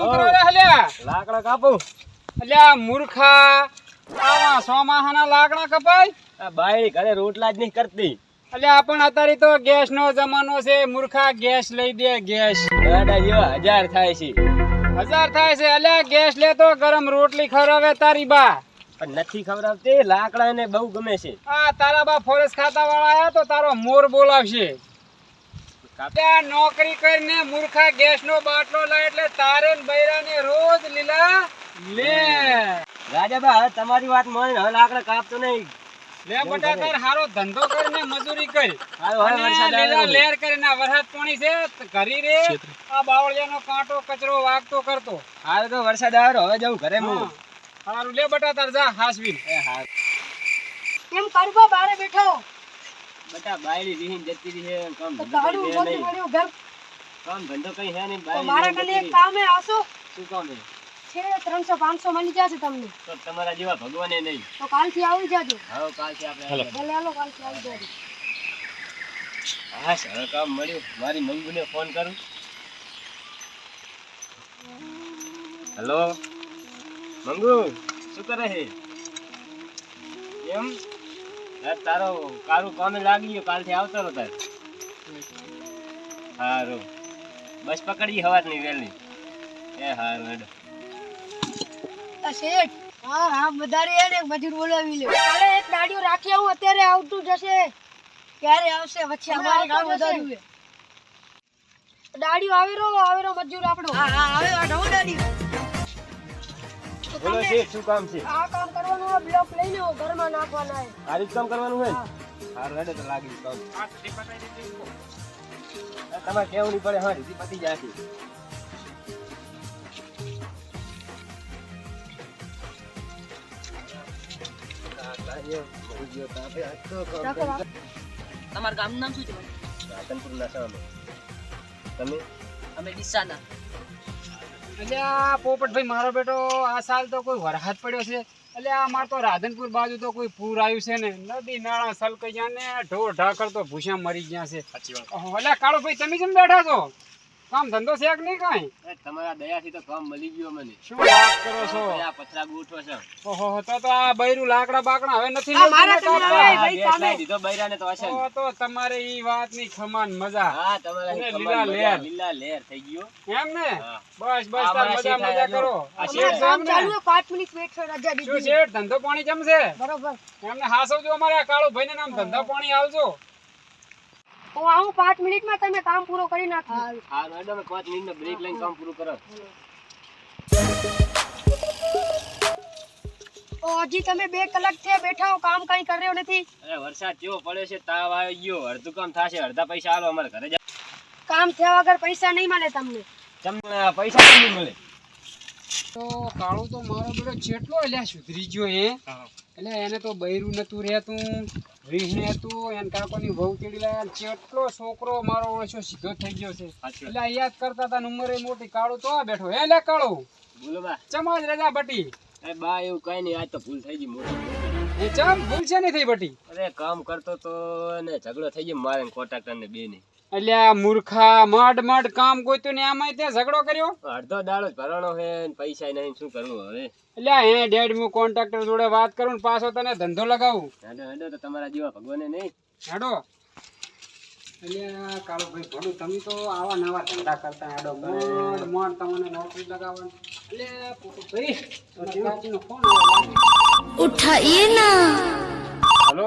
શું કરો રે હલ્યા? લાકડા કાપું. અલ્યા મૂર્ખા, આવા સોમાહાના લાકડા કપાય? આ બાયડી ઘરે રોટલા જ નહીં કરતી. અલ્યા પણ અત્યારે તો ગેસ નો જમાનો છે. મૂર્ખા ગેસ લઈ દે. ગેસ ગાડા જેવા 1000 થાય છે. 1000 થાય છે. અલ્યા ગેસ લે તો ગરમ રોટલી ખવડાવે તારી બા. પણ નથી ખવડાવતી. લાકડા એને બહુ ગમે છે. આ તારા બા ફોરેસ્ટ ખાતા વાળા આયા તો તારો મોર બોલાવશે. ત્યાં નોકરી કરીને મૂર્ખા ગેસ નો બાટલો લાય એટલે તારે ને બૈરાને રોજ લીલા લે. રાજાબા હવે તમારી વાત માની હવે લાકડા કાપતો નહીં. લે બટા તાર હારો ધંધો કરીને મજૂરી કરી હાલો, હવે અને વરસાદ આવે લીલા છે. લેર કરીને આ વરસાદ પાણી છે તો ઘરી રે આ બાવળિયાનો કાંટો કચરો વાગતો કરતો. હાલ તો વરસાદ આવ્યો હવે જવું ઘરે હું. હારું લે બટા તાર જા હાસવી. હા કેમ કાઢવા બારે બેઠો બટા બાયડી રીહીન જતી રહી છે. કામ તો ધંધો કાઢું કઈ બોલતી હે નહીં. મળ્યું ઘર કામ ધંધો કઈ હે નહીં. તો બાયડી મારા રીહીન કને એક જતી રહી. કામે આવશો શું કામ છે? છે 300-500 મળી જશે તમને તો તમારા જેવા ભગવાને નહીં. તો કાલથી આવી જાજો. હવે કાલથી આપણે ભલે હાલો કાલથી આવી જાજો. હા સર કામ મળ્યું. મારી મંગુને ફોન કરું. હેલો મંગુ, શું કરે છે? એમ તારો કારું કામે લાગી ગયો. કાલથી આવતો રહો તાર. હારું બસ પકડી હવારની વેલી. એ હારું હેડો. આ શેઠ હા વધારે એને એક મજૂર બોલાવી લે. કાલે એક દાડીઓ રાખી આવું અત્યારે આવતું જશે. ક્યારે આવશે વચ્ચે અમારે કામ વધાર્યું છે. દાડીઓ આવેરો મજૂર આપણો. હા આવે આ નવો દાડીઓ. તો બોલો તમે શેઠ, શું કામ છે? આ કામ કરવાનું હોય બ્લોક લઈને આવો, ઘરમાં નાખવાના છે. આ રીત કામ કરવાનું હોય ને? હારું હેડો તો લાગી કામ. તમારે કેવું નહીં પડે. હા રીતિ પતી જાય છે. તમારું ગામનું નામ શું છે? રાધનપુર નશામાં. તમે? અમે ડીસાના. અલ્યા પોપટભાઈ મારો બેટો આ સાલ તો કોઈ વરસાદ પડ્યો છે. અલ્યા અમાર તો રાધનપુર બાજુ તો કોઈ પૂર આવ્યું છે ને. નદી નાળા સલકાઈ ગયા ને ઢોર ઢાકર તો ભૂસા મરી ગયા છે. ઓહો, અલ્યા કાળો ભાઈ તમે કેમ બેઠા છો? કામ ધંધો છે કે નહીં કાંઈ? તમારા દયાથી તો કામ મળી ગયો મને. શું વાત કરો છો? આ પતરા ગોઠવો છો. ઓહો તો આ બૈરું લાકડા બાકડા હવે નથી આ મારા મળતું ને કને કાપવા? આવે. ભાઈ, ગેસ સામે. લાવી દીધો બૈરાને તો હશે ને. તો તમારે ઈ વાતની ખમાન મજા. હા તમારા અને કમાલ લીલા મજા. લેર. લીલા લેર થઈ ગયો. એમ ને? હા. બસ આ તાર મારા મજા શેઠ મજા આયા કરો. જો. આ આ શેઠ શેઠ કામ છે એમ ચાલુ ને? 5 મિનિટ વેટ કરો. રજા શું દીધી શેઠ ધંધો પાણી કેમ છે? બરોબર. એમને હાસવજો અમારે આ કાળુ ભાઈને નામ ધંધા પાણી આવજો. હું આવું 5 મિનિટમાં તમે કામ પૂરો કરી નાખો. હા મેડમ 5 મિનિટનો બ્રેક લઈને કામ પૂરું કરો. હજી તમે 2 કલાક થયા બેઠા હો, કામ કઈ કર્યો નથી. અરે વરસાદ કેવો પડે છે. તાવ આવી ગયો. અડધું કામ થશે. અડધા પૈસા આલો અમારે ઘરે. કામ થયા વગર પૈસા નહીં મળે તમને. તમને પૈસા કેમ નહીં મળે? તો કાળુ તો મારો બેટો જેટલો અલ્યા સુધરી ગયો હે. એટલે એને તો બૈરું નતું રહેતું, રીહને હતું, એને કાકોની વહુ તેડી લાયા. જેટલો છોકરો મારો ઓછો સીધો થઈ ગયો છે. એટલે યાદ કરતા હતા ઉંમરે મોટી. કાળુ તો આ બેઠો હે લે કાળુ. બોલો બા. ચમાજ રજા બટી. એ બા એવું કઈ નહીં. આજ તો ભૂલ થઈ ગઈ મોટી. એ ચમ ભૂલ છે નહીં થઈ બટી? અરે કામ કરતો તો ને ઝઘડો થઈ ગયો મારે કોન્ટ્રાક્ટર ને બે ની. અલ્યા મૂર્ખા મડ કામ ગોત્યું ને આમાંય તે ઝઘડો કર્યો? અડધો દાડો જ ભરવાનો છે ને પૈસા નહીં. શું કરવું હવે? અલ્યા હે ડેડ હું કોન્ટ્રાક્ટર જોડે વાત કરું ને પાછો તને ધંધો લગાવું. હેડો હેડો તો તમારા જેવા ભગવાને નહીં. હેડો. અલ્યા કાળુ ભાઈ ભડું તમે તો આવા નવા ધંધા કરતા હેડો. મોડ તમને નોકરી લગાવવાની. અલ્યા પોપટભાઈ તમારા કાકીનો ફોન આવ્યો. ઉઠાઈએ ના. હલો.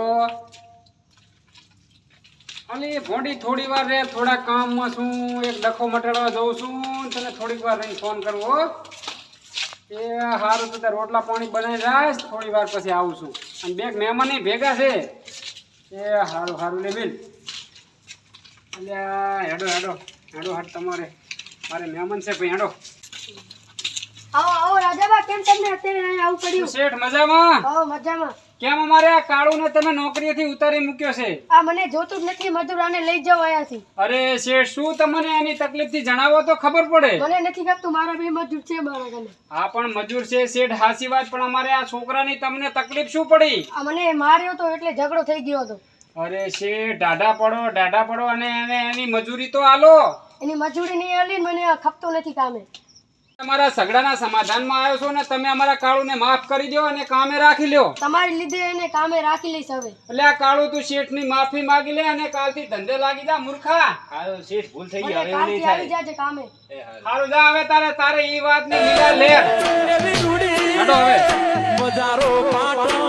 અલી ભોંડી થોડી વાર રે. થોડા કામમાં છું. એક ડખો મટાડવા જઉં છું. તને થોડીક વાર રહીને ફોન કરવો હો. એ હારું તો રોટલા પાણી બનાવી રાખ. થોડી વાર પછી આવું છું. અને બે મહેમાન ભેગા છે. એ હારું લે બેન. અલ્યા હેડો હાટ તમારે મારે મહેમાન છે ભાઈ. હેડો. આવો રાજાબા, કેમ તમને અત્યારે અહીંયા આવું પડ્યું? શેઠ મજામાં? આવો મજામાં. કેમ અમારે આ કાળુને તમે નોકરીએથી ઉતારી મૂક્યો છે? આ મને જોતું જ નથી. મજૂરાને લઈ જાવ અહીંયાથી. અરે શેઠ શું તમને એની તકલીફથી જણાવો તો ખબર પડે. મને નથી ખબર. મારા બે મજૂર છે મારા ઘરે. હા પણ મજૂર છે શેઠ, હાસી વાત. પણ અમારે આ છોકરાની તમને તકલીફ શું પડી? આ મને માર્યો તો એટલે ઝઘડો થઈ ગયો હતો. અરે શેઠ ડાઢા પડો અને એને એની મજૂરી તો આલો. એની મજૂરી નહીં આલી ને મને આ ખપતો નથી કામે. તમારા ઝઘડાના સમાધાનમાં આવ્યો છો ને તમે અમારા કાળુને માફ કરી દો અને કામે રાખી લ્યો. તમારી લીધે એને કામે રાખી લઈશ હવે. એટલે આ કાળુ તું શેઠની માફી માંગી લે અને કાલથી ધંધે લાગી જા મૂર્ખા. હાલો શેઠ ભૂલ થઈ ગઈ મને હવે એવું નહીં કાલથી આવી થાય જાજે કામે. એ હારું. હારું જા હવે તારે ઈ વાતની લીલા લે. હાલો હવે.